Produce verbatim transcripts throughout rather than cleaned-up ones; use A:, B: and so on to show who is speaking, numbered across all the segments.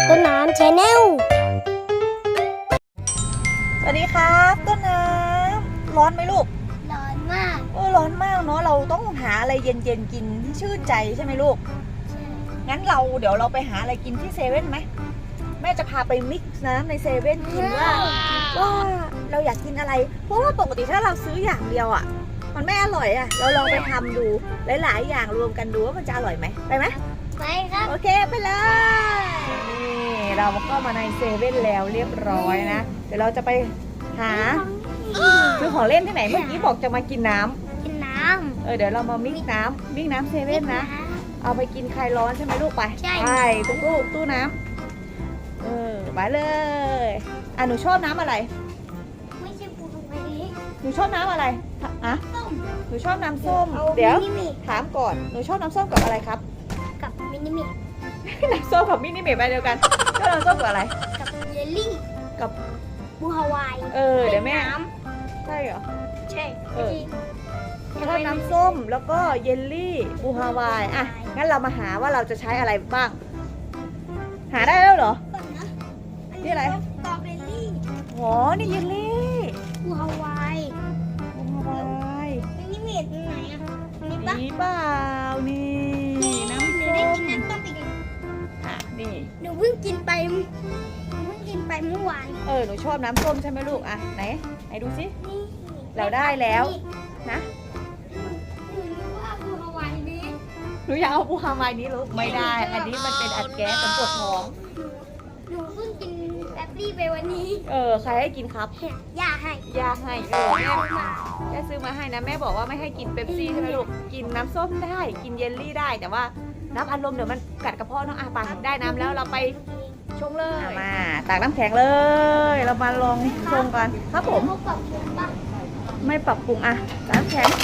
A: ต้นน้ำชาแนล
B: สวัสดีครับต้นน้ำร้อนไหมลูก
A: ร้อนมาก
B: เออร้อนมากเนาะเราต้องหาอะไรเย็นๆกินที่ชื่นใจใช่ไหมลูก
A: ใช่
B: งั้นเราเดี๋ยวเราไปหาอะไรกินที่เซเว่นไหมแม่จะพาไปมิกซ์น้ำในเซเว่นกินว่าว่าเราอยากกินอะไรเพราะว่าปกติถ้าเราซื้ออย่างเดียวอ่ะมันไม่อร่อยอ่ะเราลองไปทำดูหลายๆอย่างรวมกันดูว่ามันจะอร่อยไหมไปไหม
A: ไปครับ
B: โอเคไปเลยนี่เราก็มาในเซเว่นแล้วเรียบร้อยนะเดี๋ยวเราจะไปหาซื้อของเล่นที่ไหนเมื่อกี้บอกจะมากินน้
A: ำกินน้
B: ำเออเดี๋ยวเรามามิกน้ำมิกน้ำเซเว่นนะเอาไปกินคลายร้อนใช่ไหมลูกไป
A: ใช่
B: ไปตู้ตู้ตู้น้ำเออไปเลยอ่ะหนูชอบน้ำอะไร
A: ไม่ใช่ปูตรงนี้
B: หนูชอบน้ำอะไรอ่ะ
A: ส้ม
B: หนูชอบน้ำส้มเดี๋ยวถามก่อนหนูชอบน้ำส้มกับอะไรครับ
A: กับมินิมิ
B: น้ำส้มกับมินิเมะไปเดียวกันก็น้ำส้มกับอะไร
A: กับเยลลี่
B: กับ
A: บูฮาวาย
B: เออเดี๋ยวแม่ใช่เหรอ
A: ใช่
B: เออชอบน้ำส้มแล้วก็เยลลี่บูฮาวายอ่ะงั้นเรามาหาว่าเราจะใช้อะไรบ้างหาได้แล้วเหรอนี่อะไร
A: สตรอเบอรี่
B: อ๋อนี่เยลลี่
A: บูฮาวาย
B: บูฮาวาย
A: มินิมิตไหนอ่ะนี่ปะ
B: นี่เปล่านี่น้ำส้ม
A: ได้กินน้ำต้มอีก
B: อ่ะนี่
A: หนูเพิ่งกินไปหนูเพิ่งกินไปเมื่อวาน
B: เออหนูชอบน้ำส้มใช่ไหมลูกอ่ะไหนไหนดูสิเราได้แล้วนะหนูอยากเอาบูฮาวายนี้ลูกไม่ได้อันนี้มันเป็นอัดแก๊สเป็นปวดท้อง
A: หนูเพิ่งกินแป๊บซี่ไปวันนี้
B: เออใครให้กินครับ
A: ย่าให้
B: ย่าให้เออแม่แม่ซื้อมาให้นะแม่บอกว่าไม่ให้กินเป๊ปซี่ใช่ไหมลูกกินน้ำส้มได้กินเยลลี่ได้แต่ว่าน้ำอัดลมเดี๋ยวมันกัดกระเพาะน้องอาปาได้น้ำแล้วเราไปชงเลยมาตักน้ำแข็งเลยเรามาลองชงกันครับผมไม่ปรับปรุงอ่ะน้ำแข็ง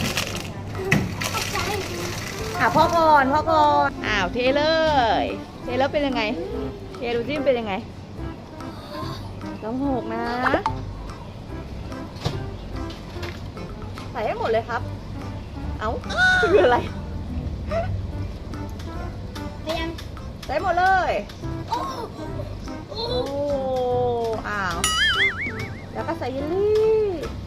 B: อ่ะพ่อก่อนพ่อก่อนอ้าวเทเลยเทแล้วเป็นยังไงเทดูซิมันเป็นยังไงต้องหกนะใส่ให้หมดเลยครับเอ้าคืออะไรใส่หมดเลยโอ้โอ้อ้าวแล้วก็ใส่เยลลี่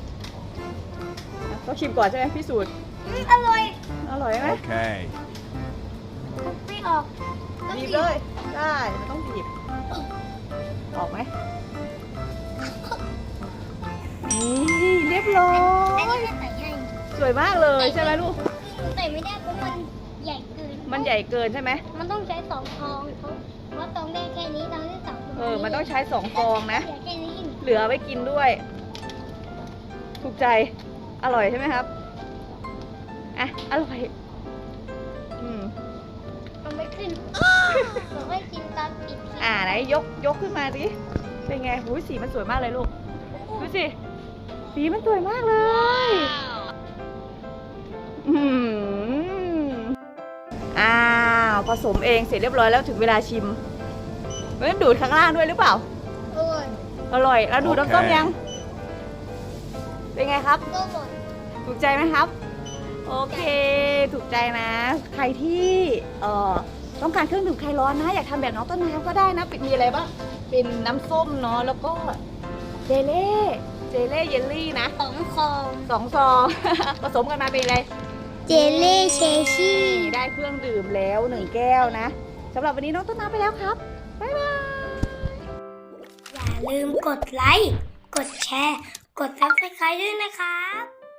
B: ต้องชิมก่อนใช่ไหมพี่สูตร
A: อร่อย
B: อร่อยไหม
C: โอเค
A: ไม่ออก
B: บีบเลยได้มันต้องบีบออกไหมนี่เรียบร้อยสวยมากเลยใช่ไหมลูก
A: ใส่ไม่ได้เพราะมันใหญ่เกิน
B: มันใหญ่เกินใช่ไหม
A: มันต้องใช้สองฟองเพราะตองได้แค่นี้ตองได้สอง
B: เออมันต้องใช้สองฟองนะเหลือไว้กินด้วยถูกใจอร่อยใช่ไหมครับอ่ะอร่อยอืม
A: มันไม่ขึ้นเราไม่กินตอนปิด
B: อ่าไหนยกยกขึ้นมาดิเป็นไงหูสีมันสวยมากเลยลูกดูสิสีมันสวยมากเลยอืมอ้าวผสมเองเสร็จเรียบร้อยแล้วถึงเวลาชิมเฮ้ยดูดข้างล่างด้วยหรือเปล่า
A: อร่อย
B: อร่อยแล้วดูดน้ำส้มยังเป็นไงครับถูกใจไหมครับโอเคถูกใจนะใครที่เอ่อต้องการเครื่องดื่มคลายร้อนนะอยากทำแบบน้องต้นน้ำก็ได้นะมีอะไรบ้างเป็นน้ำส้มเนาะแล้วก็เจเล่เจเล่เยลลี่นะ
A: สองซอง
B: สองซองผสมกันมาเป็นอะไร
A: เจเล่เชชี่
B: ได้เครื่องดื่มแล้วหนึ่งแก้วนะสำหรับวันนี้น้องต้นน้ำไปแล้วครับบ๊ายบาย
A: อย่าลืมกดไลค์กดแชร์กดซับสไครบ์ด้วยนะครับ